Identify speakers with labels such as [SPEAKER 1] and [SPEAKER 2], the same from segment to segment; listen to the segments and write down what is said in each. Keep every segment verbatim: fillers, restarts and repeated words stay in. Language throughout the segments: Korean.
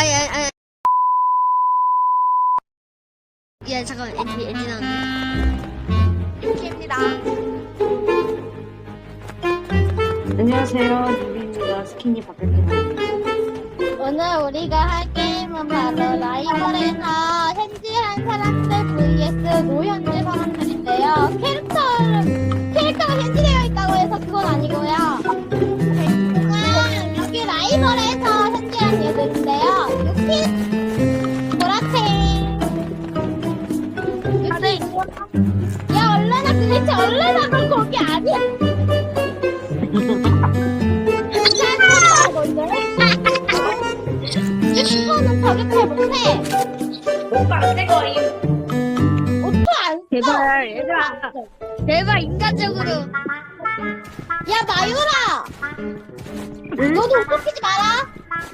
[SPEAKER 1] 아니 아니 아니. 야 잠깐만 엔지 엔지 나왔네.
[SPEAKER 2] 유키입니다.
[SPEAKER 3] 안녕하세요, 유비입니다. 스킨이 바뀌었습니다.
[SPEAKER 2] 오늘 우리가 할 게임은 바로 라이벌에서 현지한 사람들 vs 노현지 사람들인데요. 캐릭터를, 캐릭터가 현지되어 있다고 해서 그건 아니고요. 아, 여기 라이벌에서 현지한 얘들인데요. 유키, 보라탱. 유키. 야, 얼레나 도대체 얼레나 그건 거기 아니야. 유키는 저격해 못해.
[SPEAKER 4] 오빠 안 될 거임.
[SPEAKER 2] 옷도 안 써.
[SPEAKER 1] 제발 얘들아. 제발 인간적으로.
[SPEAKER 2] 야, 마유라! 너도 옷 벗기지 마라!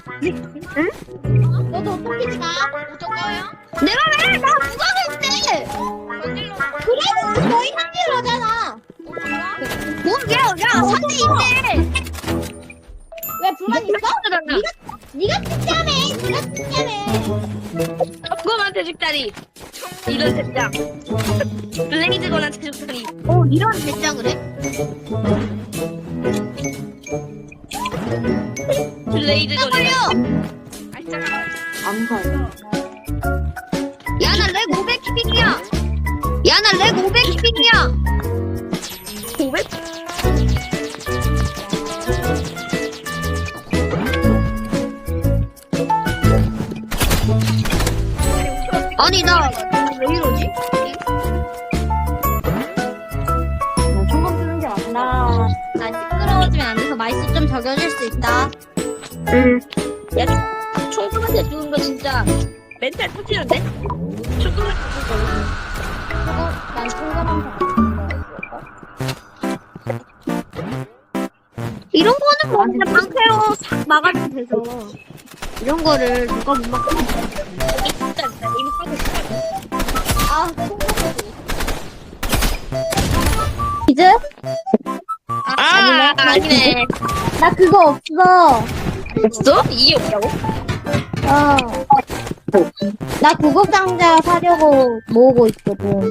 [SPEAKER 2] 응? 너도 옷 벗기지 마! 어쩔 거야?
[SPEAKER 1] 내가 왜? 나 누가 그랬대?
[SPEAKER 2] 그래도 너희 한길로잖아!
[SPEAKER 1] 뭐야? 야 상대 있네.
[SPEAKER 2] 왜 불만 있어? 니가 특자매! 니가 특자매!
[SPEAKER 4] 그거한테 죽다리. 이런 대장. 블레이드건한테 죽다리.
[SPEAKER 1] 어 이런 대장을 해?
[SPEAKER 4] 블레이드건.
[SPEAKER 1] 빨려.
[SPEAKER 3] 암살.
[SPEAKER 1] 야나 렉 오백 킥이야. 야나 렉 오백 킥이야.
[SPEAKER 4] 오백?
[SPEAKER 1] 아니 나 왜 이러지?
[SPEAKER 3] 나 총검 쓰는 게 맞나?
[SPEAKER 2] 나, 나 시끄러워지면 안 돼서 말수 좀 적여줄 수 있다.
[SPEAKER 3] 응.
[SPEAKER 4] 야, 총금한테 죽은 거 진짜 멘탈 터지는데? 총금한테 죽은
[SPEAKER 2] 그거, 난 통감한
[SPEAKER 1] 이런 거는 뭐 그냥 방패로 싹 막아주면 되죠. 이런 거를 누가 못 막고?
[SPEAKER 4] 거. 이게 진짜 이미 하고 싶어.
[SPEAKER 2] 아, 통감하지. 이제?
[SPEAKER 4] 아, 아니네.
[SPEAKER 2] 나 그거 없어.
[SPEAKER 4] 없어? 이게 없다고?
[SPEAKER 2] 어. 나 구급상자 사려고 모으고 있거든.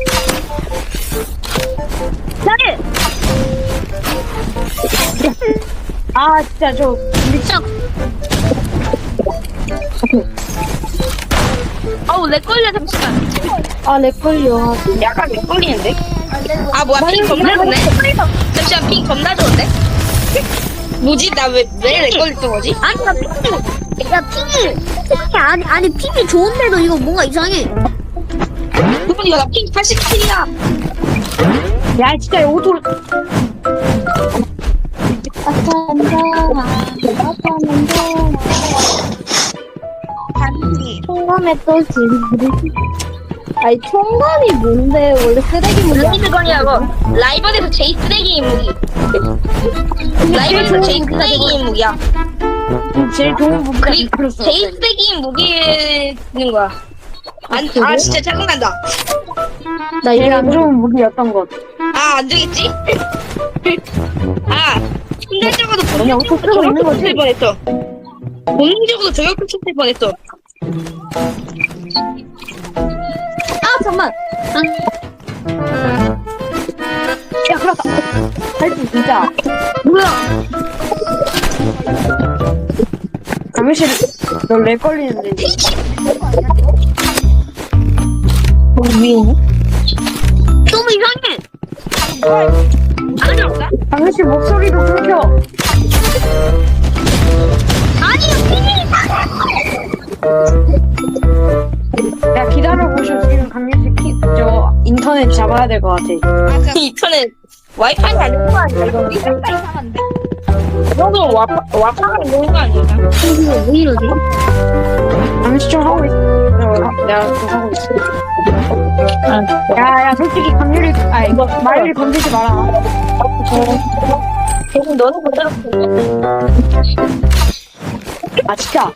[SPEAKER 3] 아, 진짜 저
[SPEAKER 1] 미쳐.
[SPEAKER 4] 아우, 내 걸려, 잠시만.
[SPEAKER 2] 아, 렉걸려.
[SPEAKER 4] 약간 내 걸리는데? 아, 뭐야, 핑 겁나 좋네? 잠시만, 핑 겁나 좋은데? 뭐지? 나 왜, 왜 내 걸렸던 거지?
[SPEAKER 1] 아니 나 핑이 야 핑이 핑이 아니 아니 핑이 좋은데도 이거 뭔가 이상해.
[SPEAKER 4] 그럼 이거 나핑 팔십칠이야.
[SPEAKER 3] 야, 진짜 오토
[SPEAKER 2] 총감에 또 지르르. 아니, 총감이 뭔데? 원래 쓰레기 무기.
[SPEAKER 4] 블레이드건이라고. 라이벌에서 제일 쓰레기인 무기. 라이벌에서 제일 쓰레기인 무기야.
[SPEAKER 3] 제일 좋은 부분.
[SPEAKER 4] 그리고 제일 쓰레기인 무기인 거야. 안, 아, 진짜 짜증난다.
[SPEAKER 2] 나
[SPEAKER 3] 제일
[SPEAKER 2] 이거
[SPEAKER 3] 안 좋은 무기였던 것.
[SPEAKER 4] 아, 안 되겠지? 아, 순간적으로
[SPEAKER 3] 그냥 옷도 쓰고 있는 거지?
[SPEAKER 4] 칠 뻔했어. 본능적으로 저격을 칠 뻔했어.
[SPEAKER 2] 아, 잠만.
[SPEAKER 3] 야, 그렇다. 할수 진짜.
[SPEAKER 1] 뭐야?
[SPEAKER 3] 강민씨, 너렉 걸리는데.
[SPEAKER 1] 너무 이상해.
[SPEAKER 4] 아니, 없다?
[SPEAKER 3] 강민씨 목소리도 끊겨.
[SPEAKER 1] 아니 핑이
[SPEAKER 3] 야, 기다려보셔. 지금 강민씨 키, 저 인터넷 잡아야 될 것 같아.
[SPEAKER 4] 인터넷 와이파이 안 되는 거 아니야? 이거 와이파이 이상한데? 이거도 와이파이가 있는 거 아니야?
[SPEAKER 1] 이거 왜 이러지?
[SPEAKER 3] 강민씨 좀 하고 있어. 어, 내가 좀 하고 있어. 야, 야, 솔직히 강유리, 아, 이거 마유리 건들지 마라.
[SPEAKER 4] 지금 너는 그대로
[SPEAKER 3] 아, 진짜.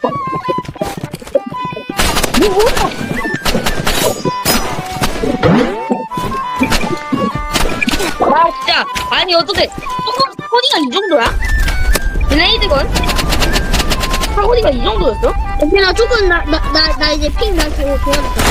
[SPEAKER 4] 아, 진짜. 아니, 어떻게, 조금, 코디가 이 정도야? 블레이드건? 사거리가 이 정도였어?
[SPEAKER 1] 오케이, 나 조금, 나, 나, 나, 나 이제 핑 다시 도와줄게.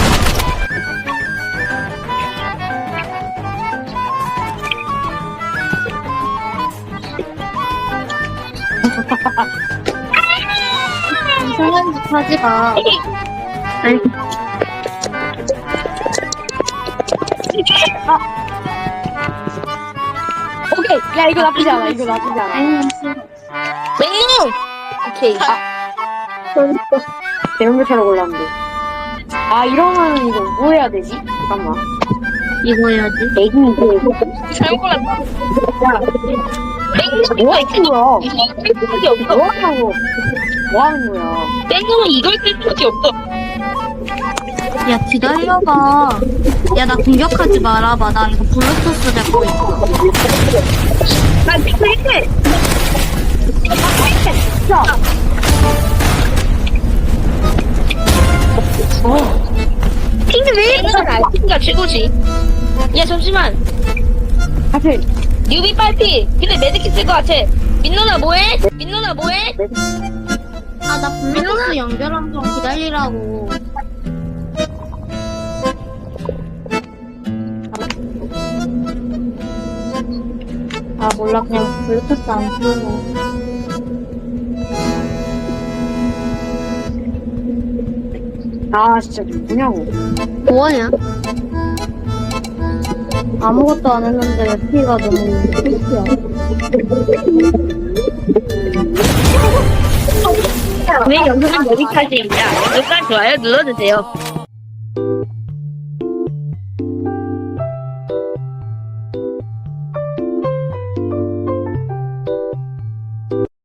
[SPEAKER 2] 이상한 짓 하지 마.
[SPEAKER 3] 오케이. 야, 이거 나쁘지 않아. 이거 나쁘지 않아.
[SPEAKER 4] 맹룡! 오케이.
[SPEAKER 3] 대형교차로 골랐는데. 아, 이러면 이거 뭐 해야 되지? 잠깐만.
[SPEAKER 1] 이거 해야지.
[SPEAKER 3] 애기, 이거.
[SPEAKER 4] 잘못 골랐다. 맹룡!
[SPEAKER 3] 뭐 하는 거야?
[SPEAKER 4] 이걸 쓸 수밖에 없어.
[SPEAKER 3] 뭐 하냐고. 뭐 하는 거야?
[SPEAKER 4] 맹룡은 이걸 쓸 수밖에 없어.
[SPEAKER 1] 야, 기다려봐. 야, 나 공격하지 말아봐. 나 이거 블루투스 잡고 있어.
[SPEAKER 4] 난 핑크 해! 핑크 왜 이러는 알 핑크가 최고지. 야, 잠시만.
[SPEAKER 3] 사실,
[SPEAKER 4] 뉴비 빨피. 근데 매드킷 쓸 것 같아. 민노나 뭐해? 민노나 뭐해?
[SPEAKER 1] 아, 나 블루투스 연결한 좀 기다리라고.
[SPEAKER 2] 아 몰라 그냥 블루투스 안 쓰고.
[SPEAKER 3] 아, 진짜 뭐냐고.
[SPEAKER 1] 뭐하냐?
[SPEAKER 2] 아무것도 안 했는데 피가 너무 끝이야.
[SPEAKER 4] 왜 영상은 여기까지입니다. 구독과 좋아요 눌러주세요.